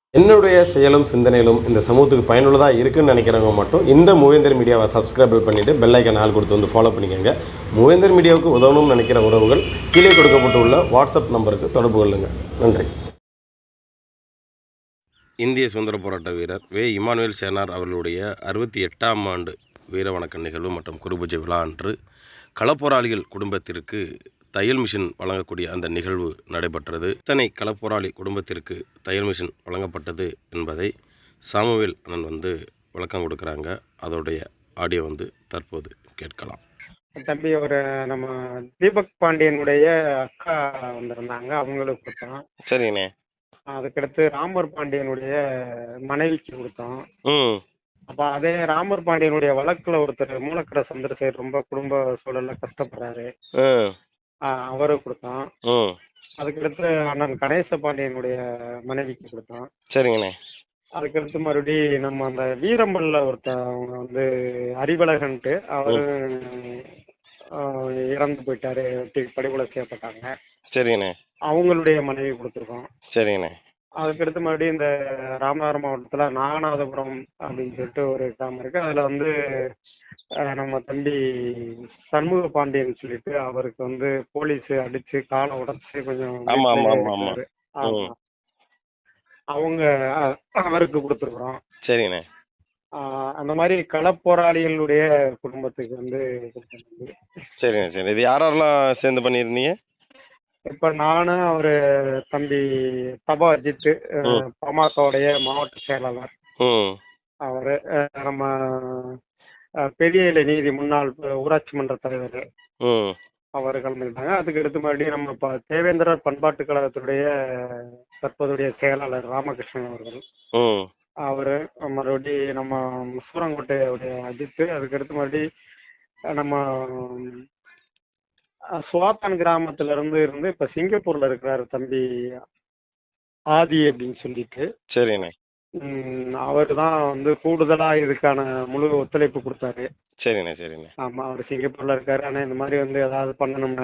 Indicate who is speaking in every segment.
Speaker 1: என்னுடைய செயலும், சிந்தனையிலும் இந்த சமூகத்துக்கு பயனுள்ளதா இருக்குன்னு நெனைக்கிறவங்க மட்டும் இந்த மூவேந்தர் மீடியாவ சப்ஸ்கிரைப் பண்ணிட்டு பெல் ஐகான் ஆல் குடுத்து வந்து ஃபாலோ பண்ணிக்கங்க. மூவேந்தர் மீடியாவுக்கு உதவணும்னு நெனைக்கிற உறவுகள் கீழே கொடுக்கப்பட்டுள்ள வாட்ஸ்அப் நம்பருக்கு தொடர்பு கொள்ளுங்க. நன்றி. இந்திய சுதந்திரப் போராட்ட வீரர் வே. இமானுவேல் சேனார் அவர்களுடைய 68ஆம் ஆண்டு வீர வணக்க நிகழ்வு மற்றும் குருபூஜை விழா அன்று களப்போராளிகள் குடும்பத்திற்கு தையல் மிஷின் வழங்கக்கூடிய அந்த நிகழ்வு நடைபெற்றது. இத்தனை களப்போராளி குடும்பத்திற்கு தையல் மிஷின் வழங்கப்பட்டது என்பதை சாமுவேல் அண்ணன் விளக்கம் கொடுக்குறாங்க. அதோடைய ஆடியோ தற்போது கேட்கலாம்.
Speaker 2: தம்பி ஒரு நம்ம தீபக் பாண்டியனுடைய அக்கா வந்திருந்தாங்க, அவங்களுக்கு கொடுத்தோம்.
Speaker 1: சரிங்கண்ணே.
Speaker 2: அதுக்கடுத்து ராமர் பாண்டியனுடைய மனைவிக்கு கொடுத்தோம். அப்ப அதே ராமர் பாண்டியனுடைய வழக்குல ஒருத்தர் மூலக்கர சந்திரசேகர் ரொம்ப குடும்ப சூழல்ல கஷ்டப்படுறாரு, அவருக்கு கொடுத்தோம். அதுக்கடுத்து அண்ணன் கணேச பாண்டியனுடைய மனைவிக்கு கொடுத்தோம்.
Speaker 1: சரிங்கண்ணே. அதுக்கடுத்து
Speaker 2: மறுபடி நம்ம அந்த வீரம்பல்ல அவங்க அறிவழகன்ட்டு அவரு இறந்து போயிட்டாரு, படுகொலை செய்யப்பட்டாங்க.
Speaker 1: சரிங்கண்ணே.
Speaker 2: அவங்களுடைய மனைவி கொடுத்துருக்கோம்.
Speaker 1: சரிங்கண்ணே.
Speaker 2: அதுக்கடுத்து மறுபடியும் இந்த ராமநாதபுரம் மாவட்டத்துல நாகநாதபுரம் அப்படின்னு சொல்லிட்டு ஒரு கிராமம் இருக்கு. அதுல நம்ம தம்பி சண்முக பாண்டியன் சொல்லிட்டு அவருக்கு போலீஸ் அடிச்சு காலை உடைச்சு கொஞ்சம் இருக்காரு. ஆமா, அவங்க அவருக்கு கொடுத்துருக்குறோம்.
Speaker 1: சரிங்கண்ணே.
Speaker 2: அந்த மாதிரி களப்போராளிகளுடைய குடும்பத்துக்கு
Speaker 1: சரிங்க. சரி, இது யாரெல்லாம் சேர்ந்து பண்ணியிருந்தீங்க?
Speaker 2: இப்ப நானு அவரு தம்பி தபா அஜித், பாமகவுடைய மாவட்ட செயலாளர் அவரு, நம்ம பெரிய நீதி முன்னாள் ஊராட்சி மன்ற தலைவர் அவர் கலந்துக்கிட்டாங்க. அதுக்கு அடுத்து மறுபடியும் நம்ம தேவேந்திரர் பண்பாட்டு கழகத்துடைய தற்போதைய செயலாளர் ராமகிருஷ்ணன் அவர்கள், அவரு மறுபடியும் நம்ம சூரங்கோட்டையுடைய அஜித், அதுக்கடுத்து மறுபடியும் நம்ம சுவாத்தான் கிராமத்துல இருந்து இப்ப சிங்கப்பூர்ல இருக்கிறாரு தம்பி ஆதி அப்படின்னு சொல்லிட்டு.
Speaker 1: சரிண்ணே.
Speaker 2: அவரு தான் கூடுதலா இதுக்கான முழு ஒத்துழைப்பு கொடுத்தாரு.
Speaker 1: சரிண்ணே. சரிண்ணே.
Speaker 2: ஆமா, அவர் சிங்கப்பூர்ல இருக்காரு. ஆனா இந்த மாதிரி ஏதாவது பண்ணணும்னா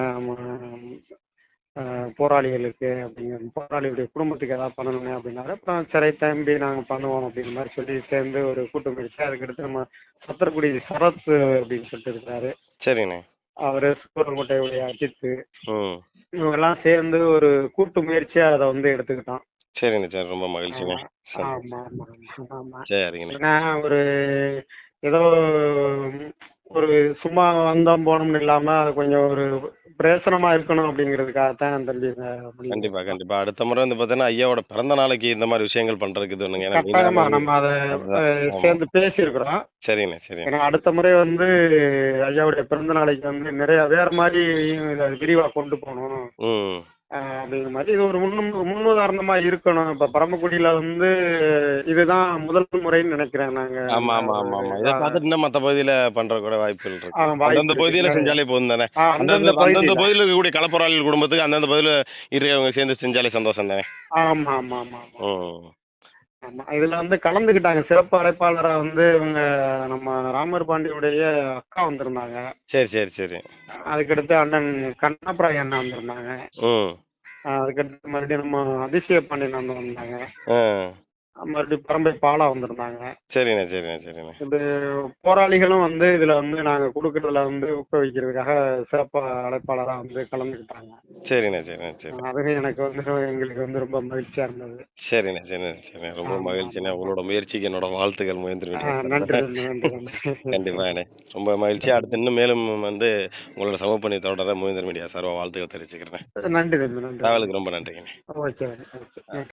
Speaker 2: போராளிகளுக்கு போராளிகளுடைய குடும்பத்துக்கு ஏதாவது பண்ணணுமே அப்படின்னாரு. அப்புறம் சரி தம்பி நாங்க பண்ணுவோம் அப்படின்ற மாதிரி சொல்லி சேர்ந்து ஒரு கூட்டம் பிடிச்சு, அதுக்கடுத்து நம்ம சத்திரக்குடி சரத் அப்படின்னு சொல்லிட்டு இருக்கிறாரு.
Speaker 1: சரிண்ணே.
Speaker 2: அவரு சூரங்கோட்டையுடைய அஜித், இவங்க எல்லாம் சேர்ந்து ஒரு கூட்டு முயற்சியா அதை எடுத்துக்கிட்டோம்.
Speaker 1: சரிங்க சார், ரொம்ப மகிழ்ச்சிங்க.
Speaker 2: ஆமா ஆமா ஆமா.
Speaker 1: சரிங்கண்ணே.
Speaker 2: ஒரு ஏதோ ஒரு சும்மா வந்தோம் போனோம்னு இல்லாம அது கொஞ்சம் ஒரு பிரயோசனமா இருக்கணும் அப்படிங்கிறதுக்காகத்தான் தம்பி.
Speaker 1: கண்டிப்பா கண்டிப்பா. அடுத்த முறை பாத்தீங்கன்னா ஐயாவோட பிறந்த நாளைக்கு இந்த மாதிரி விஷயங்கள் பண்றதுக்கு தோணுங்க.
Speaker 2: கட்டாயமா நம்ம அதை சேர்ந்து பேசியிருக்கிறோம்.
Speaker 1: சரிண்ணே. சரி,
Speaker 2: ஏன்னா அடுத்த முறை ஐயாவுடைய பிறந்த நாளைக்கு நிறைய வேற மாதிரி இதை விரிவா கொண்டு போகணும் அப்படிங்கிற மாதிரி இது ஒரு முன்னுதாரணமா இருக்கணும். இப்ப பரமக்குடியில இதுதான் முதல் முறைன்னு நினைக்கிறேன் நாங்க.
Speaker 1: ஆமா ஆமா ஆமா ஆமா. இதை பார்த்துட்டு இன்னும் மத்த பகுதியில பண்ற கூட வாய்ப்புகள் இருக்கு. அந்தந்த பகுதியில செஞ்சாலே போதும் தானே. அந்தந்த பகுதியில இருக்கக்கூடிய களப்போராளிகள் குடும்பத்துக்கு அந்தந்த பகுதியில இருக்கவங்க சேர்ந்து செஞ்சாலே சந்தோஷம் தானே.
Speaker 2: ஆமா ஆமா ஆமா ஆமா. இதுல கலந்துக்கிட்டாங்க சிறப்பு அழைப்பாளரா இவங்க நம்ம ராமர் பாண்டியுடைய அக்கா வந்திருந்தாங்க.
Speaker 1: சரி சரி சரி.
Speaker 2: அதுக்கடுத்து அண்ணன் கண்ணப்ராய் அண்ணா வந்திருந்தாங்க. அதுக்கடுத்து மறுபடியும் நம்ம அதிசய பாண்டியன் அண்ணன் வந்தாங்க. மறுபடியும் பரம்பை பாலா வந்திருந்தாங்க.
Speaker 1: சரிண்ணே. சரிண்ணே. சரிண்ணே.
Speaker 2: இது போராளிகளும் இதுல நாங்க கொடுக்கறதுல ஊக்குவிக்கிறதுக்காக சிறப்பு அழைப்பாளரா கலந்துக்கிட்டாங்க.
Speaker 1: சரிண்ணே. சரிண்ணே. சரி.
Speaker 2: அதுவே எனக்கு எங்களுக்கு ரொம்ப மகிழ்ச்சியா இருந்தது.
Speaker 1: சரிண்ணே. சரிண்ணே. சரிண்ணே. ரொம்ப மகிழ்ச்சிண்ணே. உங்களோட முயற்சிக்கு என்னோட வாழ்த்துக்கள்.
Speaker 2: நன்றி.
Speaker 1: கண்டிப்பா அண்ணே. ரொம்ப மகிழ்ச்சி. அடுத்து இன்னும் மேலும் உங்களோட சமூக பணி தொடர மூவேந்தர் மீடியா சார்பா வாழ்த்துக்கள் தெரிவிச்சுக்கிறேன்.
Speaker 2: நன்றி தம்பி. நன்றி.
Speaker 1: தகவலுக்கு ரொம்ப நன்றிங்க.
Speaker 2: ஓகே.